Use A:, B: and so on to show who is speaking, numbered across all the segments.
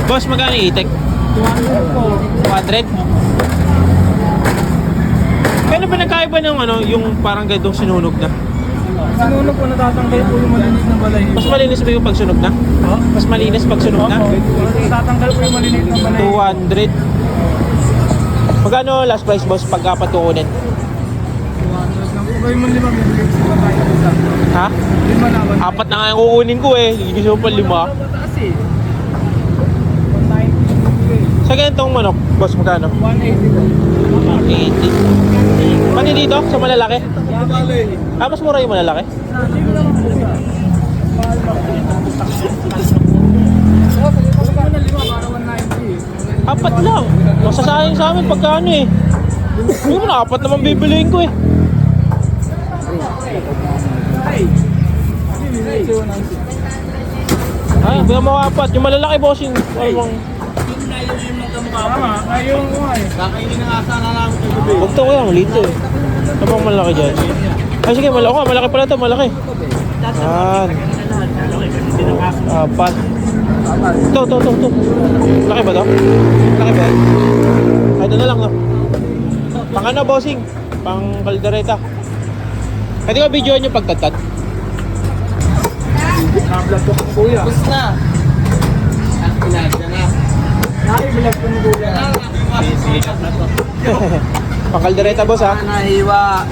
A: Boss, magkano yung itik?
B: 200 po.
A: 200? Kailan ba nagkaiba ng ano, yung parang ganitong sinunog na?
B: Sinunog po, natatanggal po yung malinis na balay.
A: Mas malinis ba yung pagsunog na?
B: Oh?
A: Mas malinis pag sunog na?
B: Natatanggal po yung malinis na balay.
A: 200. Magkano last price, boss, pag apat kukunin?
B: 200 lang po. Kayo man 5, bibigay ko sa tayo isa.
A: Ha?
B: 5 naman.
A: Apat na nga yung kukunin ko eh. Gusto mo pa 5.
B: Mataas eh. 190 bibigay.
A: Sa ganitong manok, boss, magkano?
B: 180 po.
A: 80. Pati dito, sa malalaki? Ah, mas mura yung malalaki? Apat lang. Masasayang sa amin pagka ano eh. Hindi mo na, apat naman bibiliin ko eh. Ay, bigyan mo apat. Yung malalaki, bossing. Ano bang...
B: Tama, ayun ko nga eh. Kakainin na nga sana namin ito gabi.
A: Huwag to ko yan, malito eh. Ano bang malaki dyan? Ay, sige, malaki pala ito, malaki. Yan. Apat. Ito. Laki ba to? Laki ba? Ay, ito na lang, no? Pang ano, bossing? Pang kaldereta. Pwede ko videoan yung pagtatad?
B: Nakablog ko kung kuya.
C: Bus na.
B: Nakablog ko kung kuya.
A: Pang kaldereta, boss, ha?
C: Nahiwa.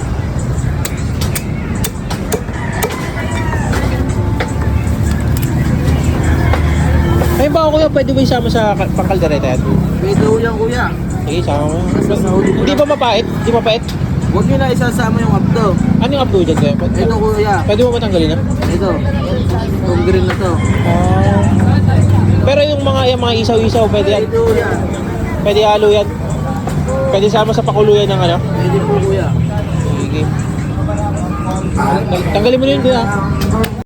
A: Ay, baka kuya, pwede ba isama sa pang kaldereta yan?
C: Pwede ho yan kuya.
A: Sige, isama mo. Hindi ba mapait? Hindi mapait?
C: Huwag nyo na isasama yung abdo.
A: Ano yung upload dyan, kuya?
C: Ito kuya.
A: Pwede mo matanggalin, ha?
C: Ito. Itong green na to.
A: Ah. Pero yung mga isaw-isaw, pwede yan?
C: Pwede ho yan.
A: Pwede halo yan? Pwede sama sa pakuluyan ng ano?
C: Pwede po kuya.
A: Sige. Tanggalin mo na yun, kuya.